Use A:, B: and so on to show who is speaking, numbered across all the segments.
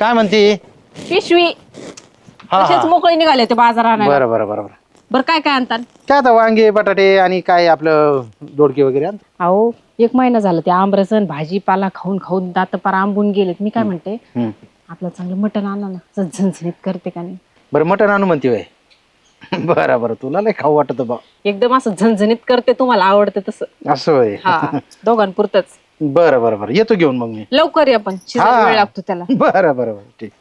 A: काय म्हणते?
B: पिशवी
A: हा,
B: तसेच
A: हा.
B: मोकळे निघाले ते बाजारात.
A: बरं बरं बरं बरं.
B: बरं काय काय आणतात?
A: काय आता वांगे बटाटे आणि काय आपलं दोडके वगैरे आण.
B: अहो 1 महिना झाला ते आंबरसन भाजीपाला खाऊन खाऊन दात पार आंबून गेलेत. मी काय म्हणते आपलं चांगलं मटण आणा ना, झणझणीत करते का नाही?
A: बरं मटण आणू म्हणते वय. बरं बरं तुला नाही खाऊ वाटत बा.
B: एकदम असं झणझणीत करते, तुम्हाला आवडतं तसं.
A: असं होय.
B: हा दोघांपुरतच.
A: बरं बरं बरं येतो घेऊन मग मी.
B: लवकर या पण शिजायला वेळ लागतो त्याला.
A: बरं बरं बरं ठीक.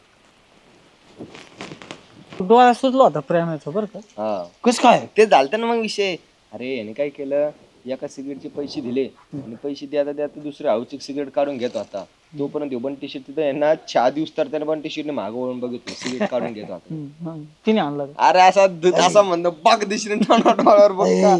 C: डोळा सुचला होता प्रेमाचा बरं का.
D: हा
C: कस काय
D: ते झालतं ना मग विषय. अरे याने काय केलं, एका सिगरेटचे पैसे दिले आणि पैसे द्याता द्याता दुसरे हाऊची सिगरेट काढून घेतो आता. तोपर्यंत बंटी शेट तिथं यांना 4 दिवस तर त्याने बंटी शेटने मागं वळून बघितलं, सिगरेट काढून घेतो आता.
C: तिने आणला का?
D: अरे असा म्हणतो बाग दिशेने डोळ्यावर बघ का.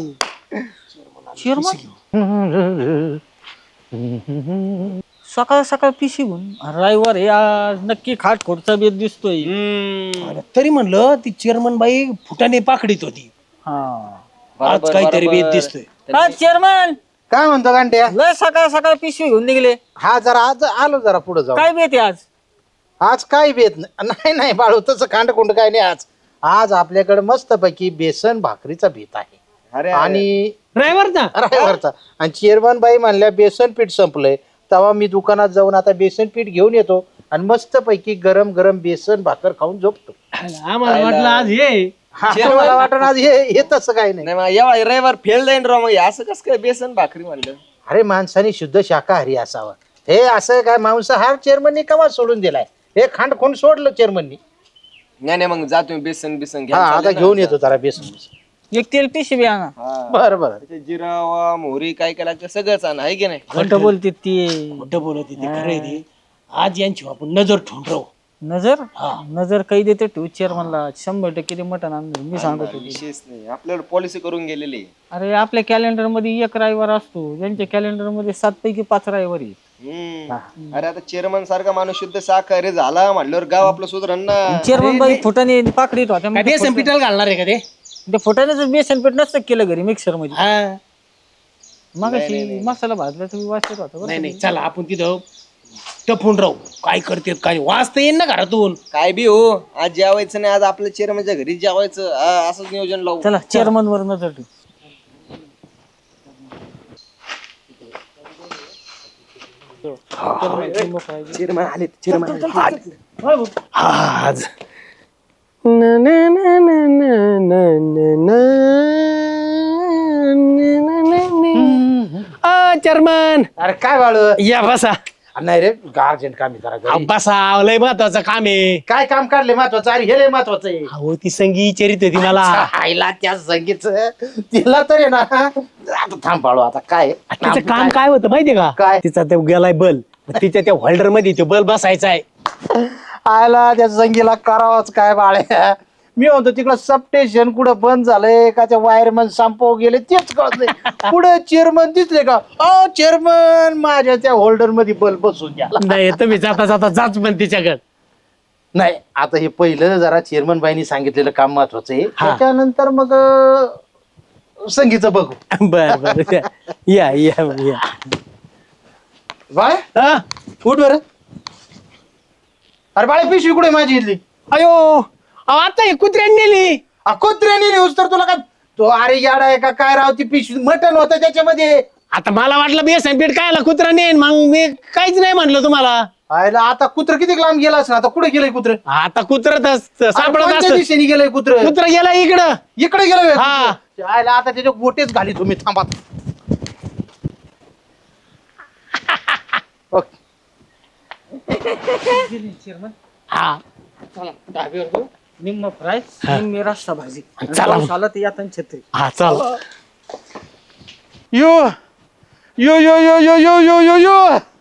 C: सकाळ सकाळ पिशी घेऊन रविवार हे आज नक्की खाटखोटचा बेत दिसतोय.
E: अरे तरी म्हणलं ती चेअरमन बाई फुटाने पाकडीत होती. आज काहीतरी बेत दिसतोय.
C: हा चेअरमन
A: काय म्हणतो गांड्या?
C: लय सकाळ सकाळ पिशवी घेऊन निघले.
A: हा जरा आज आलो जरा पुढे जाऊ.
C: काय बेत आहे आज?
A: आज काय बेत नाही नाही बाळू तसं खांडखुंड काय नाही आज. आज आपल्याकडे मस्तपैकी बेसन भाकरीचा बेत आहे.
D: अरे
A: आणि
E: ड्रायव्हरचा
A: रायवरचा. आणि चेअरमन बाई म्हणल्या बेसन पीठ संपलंय, तेव्हा मी दुकानात जाऊन आता बेसन पीठ घेऊन येतो आणि मस्तपैकी गरम गरम बेसन भाकर खाऊन झोपतो.
E: आम्हाला वाटलं आज हे
A: मला वाटण आज हे तसं काही नाही.
D: नाही मग या रविवार फेल जाईन राव. मग हे असं कसं काय बेसन भाकरी म्हणलं.
A: अरे माणसाने शुद्ध शाकाहारी असावं. हे असं काय मांसाहार चेअरमननी कवा सोडून दिलाय? हे खांडखोंड सोडलं चेअरमननी.
D: नाही मग जा तुम्ही बेसन बिसन घ्या.
A: हा आता घेऊन येतो जरा बेसन.
C: एक तेल पिशवी आणा.
A: बरं बरं.
D: जिरावा मोहरी काय काय लागतं सगळंच आणा आहे की नाही.
C: खोटं बोलते ती.
E: खोटं बोलत ते खरंय ते. आज यांची आपण नजर ठेवून राहू.
C: नजर काही देते ठेवू चेअरमनला. 100% ते मटण आणलं मी सांगतो.
D: विशेष नाही आपल्याला पॉलिसी करून गेलेली.
C: अरे आपल्या कॅलेंडर मध्ये 1 रविवार असतो, त्यांच्या कॅलेंडर मध्ये 7 पैकी 5 रविवार आहेत.
D: अरे आता चेअरमन सारखा माणूस शुद्ध शाकाहारी झाला म्हटल्यावर गाव आपलं सुधरण ना.
C: चेअरमन बाई फुटाने पाकडीत होत्या.
E: काय बेसन पिठाला घालणार आहे का ते?
C: ते फुटाण्याचं बेसन पीठ नसतं केलं घरी मिक्सर मध्ये.
E: हा.
C: मग मसाला भाजला तुम्ही वाचत होता बरं.
E: नाही नाही चला आपण तिथं टपून राहू. काय करते काय वाच तर येईन ना घरातून.
D: काय बी हो आज जेवायचं नाही, आज आपल्या चेअरमनच्या घरी जेवायचं. असंच नियोजन लावू.
C: चला चेअरमन वर नजर ठेवू.
D: चेअरमन आले चेअरमन
E: आज चेअरमन
A: अरे काय बाळू?
E: या बसा.
A: नाही रे अर्जंट काम आहे जरा घरी.
E: बसा लय महत्वाचं काम आहे.
A: काय काम काढले महत्वाचं? अरे हे लय महत्वाचं आहे.
E: अहो ती संगी चरित होती मला.
A: आईला त्या संगीत तिला तर आहे ना. आता थांब बाळू आता काय
E: तिचं काम काय होतं माहितीये का?
A: काय?
E: तिचा ते गेलाय बल, तिच्या त्या होल्डर मध्ये तो बल बसायचा आहे.
A: आयला त्या संगीला करावंच काय बाळ्या. मी म्हणतो तिकडं सबस्टेशन कुठं बंद झालंय का, त्या वायरमन संपव गेले तेच कळत नाही. पुढे चेअरमन दिसले का, अ चेअरमन माझ्या त्या होल्डर मध्ये बल्ब बसून द्या.
E: नाही तुम्ही जाता जाता जाच पण तिच्याकडे.
A: नाही आता हे पहिलं जरा चेअरमन बाईनी सांगितलेलं काम महत्वाचं आहे.
E: हा.
A: त्याच्यानंतर मग संगीचं बघू.
E: बर बर या या या.
A: बाळ
E: हा?
A: उठ बरं. अरे बाळे पिशवी कुठे माझी इथली?
E: अयो अहो, आता हे कुत्र्याने नेली.
A: कुत्र्याने नेऊस तर तुला काय तो अरे याडा आहे का काय राव? ती पिशवी मटण होतं त्याच्यामध्ये.
E: आता मला वाटलं बेसन पीठ कायला कुत्रा नेन, मग मी काहीच नाही म्हणलं तुम्हाला.
A: आयला आता कुत्र किती लांब गेला असं? आता कुठे गेलंय कुत्र?
E: आता कुत्र सापडत
A: कोणत्या
E: असत.
A: दिशेने गेलंय कुत्र?
E: कुत्रा गेला इकडं.
A: इकडे गेलं
E: हा.
A: आयला आता त्याच्या गोटेच घाली तुम्ही. थांबा. ओके.
E: हा
C: निम्म फ्राय निम्मी रस्सा भाजी.
E: चला.
C: आला ते यातन छत्री.
E: हा चल.
A: यो यो यो यो यो यो यो यो यो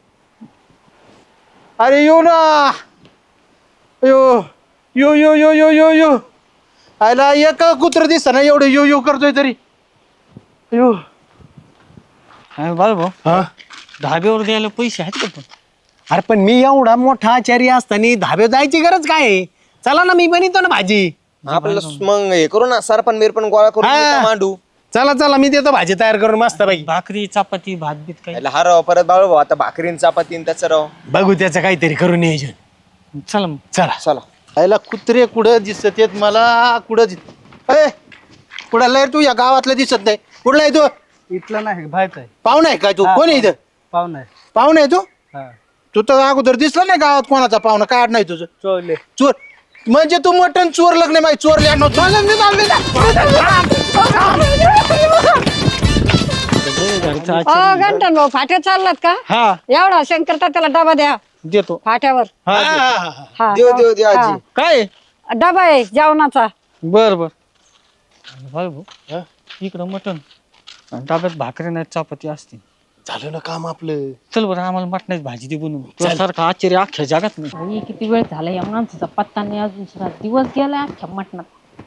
A: अरे यो ना यो यो यो यो यो यो यो आयला एक कुत्र दिसत ना एवढं यो यो करतोय तरी. यो
C: बाळ भाऊ
E: हा?
C: धाब्यावर द्यायला पैसे आहेत का पण?
E: अरे पण मी एवढा मोठा आचारी असताना धाब्यावर जायची गरज काय आहे? चला ना मी बनवतो ना भाजी.
D: आपल्याला मग हे करू ना सरपण बिरपण गोळा करून
E: हा.
D: इथं मांडू.
E: चला चला मी देतो भाजी तयार करून मस्त बाई.
C: भाकरी चपाती भात बीत काही.
D: हा राव परत बाळू भाऊ आता भाकरीन चपातीन त्याचं राव.
E: बघू त्याचं काहीतरी करू नियोजन.
C: चला मग.
E: चला
A: चला आयला कुत्रे कुठं दिसत येत मला कुठं लय तू या गावातलं दिसत नाही कुठला आहे तू
F: इथलं नाही बाहेरच आहे
A: पाहुणा आहे काय तू कोण आहे इथं
F: पाहुणा आहे
A: पाहुणा आहे तू
F: हा
A: तू तर अगोदर दिसला नाही गावात कोणाचा पाहुणा काय नाही तुझं
F: चोरले
A: चोर म्हणजे तू मटण चोर लग्न माहिती चोरले
G: गंटन भाऊ फाट्या चाललात का
C: हा
G: एवढा शंकरता त्याला डबा द्या
C: देतो.
G: फाट्यावर हा,
D: देऊ आजी
C: काय
G: डबा आहे जेवणाचा.
C: बर बर भाऊ इकडं मटण आणि डब्यात भाकरी नाही चपाती असते.
E: झालं ना काम आपलं.
C: चल बरं आम्हाला मटणाची भाजी दे बनवून तुझ्यासारखा आश्चर्य अख्ख्या जगात नाही.
B: बाई, किती वेळ झाला या माणसाचा पत्ता नाही अजून सगळा दिवस गेलाय अख्ख्या मटणात.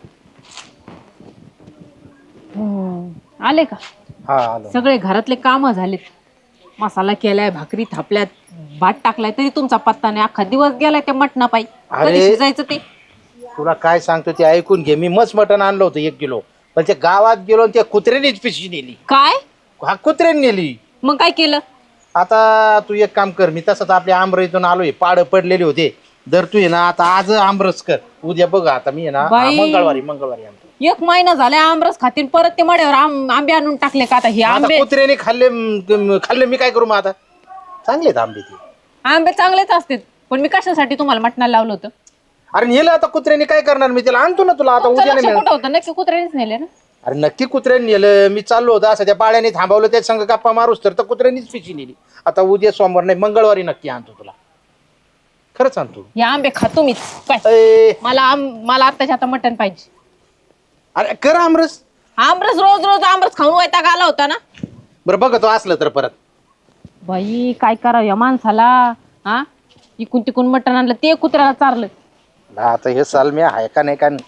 B: आले का
A: हा आलो
B: सगळे घरातले काम झालेत. मसाला केलाय भाकरी थापल्यात भात टाकलाय तरी तुमचा पत्ता नाही. अख्खा दिवस गेलाय त्या मटणा पायी. कधी
A: अरे.
B: शिजायचं ते
A: तुला काय सांगतो ते ऐकून घे मी मस्त मटण आणलं होतं 1 किलो पण ते गावात गेलो आणि त्या कुत्र्यानेच पिशवी नेली
B: काय
A: हा कुत्र्याने नेली.
B: मग काय केलं?
A: आता तू एक काम कर मी तसंच आपल्या आमरईतून आलोय पाड पडलेले होते दर तू ये ना आता आज आमरस कर उद्या बघ आता मी आहे ना
B: बाई.
A: मंगळवारी आणतो.
B: 1 महिना झालाय आमरस खातील परत ते मड्यावर आंबे आणून टाकले का आता हे
A: आता
B: आंबे
A: कुत्र्याने खाल्ले मी काय करू मग आता चांगले आहेत आंबे ते.
B: आंबे चांगलेच असतात पण मी कशासाठी तुम्हाला मटणाला लावलं होतं?
A: अरे नेलं आता कुत्र्याने काय करणार मी त्याला आणतो ना तुला आता
B: तुमचं
A: उद्या
B: लक्ष
A: नाही
B: कुठं होतं? नक्की कुत्र्यानेच नेले ना.
A: अरे नक्की कुत्र्याने नेलं मी चाललो होतो असं त्या पाळ्याने थांबवलं त्या संग गप्पा मारूस तर कुत्र्यानेच पिशी नेली. आता उद्या सोमवार नाही मंगळवारी नक्की आणतो तुला खरंच आणतो.
B: हे आंबे खातो मीच काय
A: ए,
B: मला आत्ताच्या आता मटण पाहिजे.
A: अरे कर आमरस
B: आमरस रोज रोज आमरस खाऊन वैताग आला होता ना.
A: बरं बघतो असलं तर परत.
B: बाई काय करावं या माणसाला. हा इकून तिकून मटण आणलं ते कुत्र्याला चारलं.
A: आता हे साल मी आहे का नाही का नाही.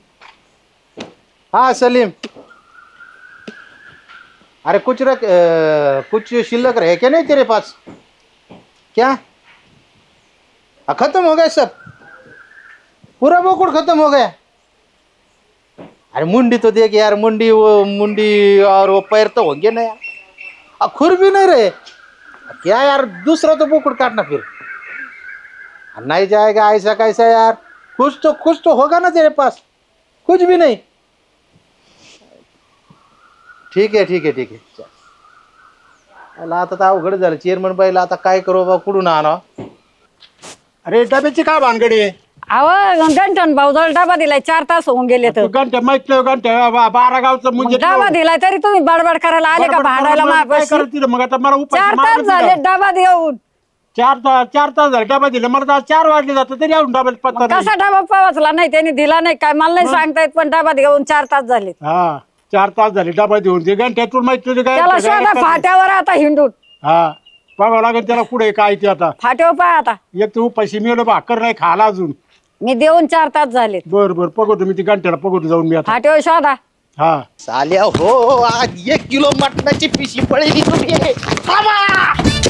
A: हाँ सलीम अरे कुछ शिल्लक रहे क्या नहीं तेरे पास क्या खत्म हो गया सब पूरा बोकुड़ खत्म हो गया. अरे मुंडी तो देख यार मुंडी और वो पैर तो होंगे ना यार खुर भी नहीं रहे क्या यार दूसरा तो बोकुड़ काटना फिर नहीं जाएगा ऐसा कैसा यार कुछ तो होगा ना तेरे पास कुछ भी नहीं. ठीक है चल. आता तर अवघड झालं चेअरमन बाईला आता काय करू बा कुठून आणा.
F: अरे डब्याची काय भानगडी आहे
G: अहो गंटन भाऊ जवळ डबा दिलाय 4 तास होऊन गेले तर.
F: घंटे माहित घंटे 12 गावचं म्हणजे
G: डबा दिलाय तरी तुम्ही बडबड करायला आले का भांडायला
F: काय
G: माझ्यापाशी?
F: करायचं मग आता मला
G: 4 तास झाले डबा देऊन.
F: 4 तास झाले डबा दिले मला तर 4 वाजले जातं तरी अजून डब्यात पत्ता नाही.
G: कसा डबा पावचला नाही त्यांनी दिला नाही काय मला नाही सांगता येत पण डबा देऊन 4 तास झाले.
F: हा 4 तास झाले डबा देऊन ते घंट्यातून माहित तुझे काय
G: त्याला शोधा फाट्यावर आता हिंडून.
F: हा बघावं लागेल त्याला कुठे काय ते आता
G: फाट्यावर पाय आता.
F: एक तू पैसे मिळवलं भाकर नाही खाला अजून.
G: मी देऊन 4 तास झाले.
F: बर बघतो मी ती घंट्याला बघतो जाऊन मी आता.
G: फाट्यावर शोधा.
F: हा
A: साल्या हो आज 1 किलो मटणाची पिशी पडली तुम्ही थांबा.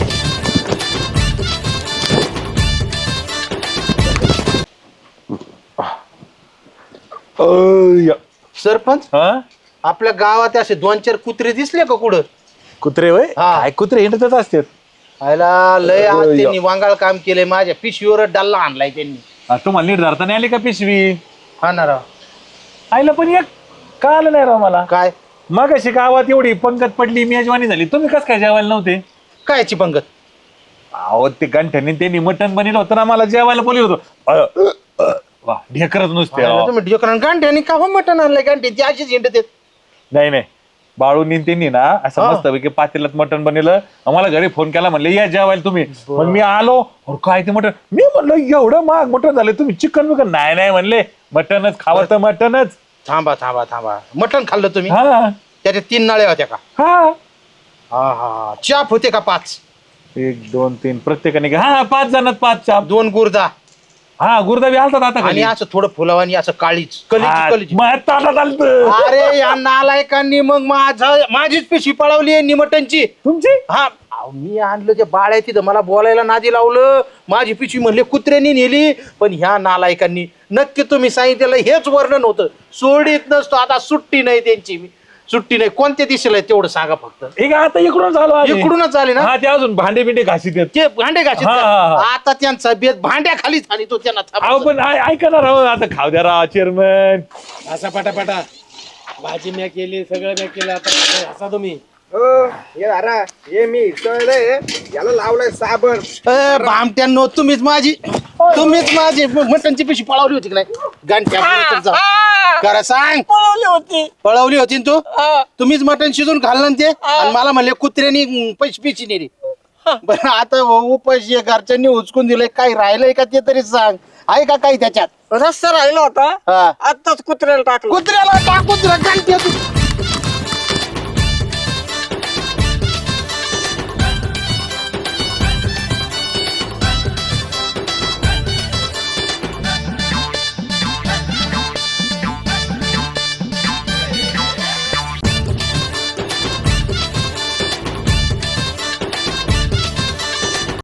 A: सरपंच आपल्या गावात असे 2-4 कुत्रे दिसले का कुठं?
H: कुत्रे वय
A: हा.
H: काय कुत्रे हिंडतच असतात.
A: आयला लय आज त्यांनी वांगाळ काम केलंय माझ्या पिशवीवर डल्ला आणलाय त्यांनी.
H: तुम्हाला नीट धरता नाही आली का पिशवी
A: हा ना राव
H: आईला पण एक का आलं नाही राव मला.
A: काय
H: मग अशी गावात एवढी पंगत पडली मेजवानी झाली तुम्ही कस काय जेवायला नव्हते.
A: कायची पंगत?
H: अहो ते गंठ्याने त्यांनी मटण बनवलं होतं ना मला जेवायला बोलवलं होतं. वा ढेकरच नुसते राव.
A: तुम्ही ढेकरण गांठ्याने का हो मटण आणलंय गांठी ती अशीच हिंडत आहेत.
H: नाही बाळूनी त्यांनी ना असं मस्तपैकी पातेल्यात मटण बनवलं आम्हाला घरी फोन केला म्हणले या जेवायला तुम्ही. मग मी आलो अरे काय ते मटण मी म्हणलं एवढं महाग मटण झालं तुम्ही चिकन बिकन नाही म्हणले मटणच खावं तर मटणच.
A: थांबा मटण खाल्लं तुम्ही?
H: हा
A: त्याच्या 3 नळ्या होत्या का?
H: हा
A: हा चाप होते का 5?
H: 1 2 3 प्रत्येकाने हा 5 जणात 5 चाप
A: 2 गुर्दा
H: हा गुरुदाबी आलतात आता
A: आणि
H: खाली.
A: असं थोडं फुलावानी असं काळीच
H: हा,
A: कलीची.
H: मग ताटात आलतं.
A: अरे या नालायकांनी मग माझीच पिशवी पळवली निमटनची.
H: तुमची
A: हा अहो, मी आणलं ते बाळ्या तिथं मला बोलायला नादी लावलं माझी पिशवी म्हणले कुत्र्यांनी नेली पण ह्या नालायकांनी नक्की तुम्ही सांगितलेलं हेच वर्णन होतं सोडीत नसतो आता सुट्टी नाही त्यांची. सुट्टी नाही. कोणत्या दिशेला आहे तेवढं सांगा फक्त.
H: एक आता इकडूनच आलो आम्ही.
A: इकडूनच आले ना
H: हा ते अजून भांडे बिंडे घासीत आहेत.
A: ते भांडे घाशीत
H: हा,
A: का?
H: हा, हा.
A: आता त्यांचा बेत भांड्याखाली आणि तो त्यांना
H: अहो
A: थांबवतो.
H: पण ऐका ना राव आता खाऊ द्या राव चेअरमन.
E: असा पटापटा भाजी म्या केली सगळं म्या केलं आता असा तुम्ही
D: याला लावलाय साबण.
A: भामट्यांनो तुम्हीच माझी मटणची पिशी पळवली होती की नाही गांठ्या करा सांग. पळवली होती ना तू. तुम्हीच मटण शिजून खाल्लं ना ते आणि मला म्हणले कुत्र्यानी पैसे पिची नेली. बरं आता उपाशी घरच्यांनी उचकून दिलंय, काही राहिलंय का ते तरी सांग. आहे का काही त्याच्यात?
G: रस्ता राहिला होता
A: हा.
G: आताच कुत्र्याला टाकलं.
A: कुत्र्याला टाकून दिलं गांठ्या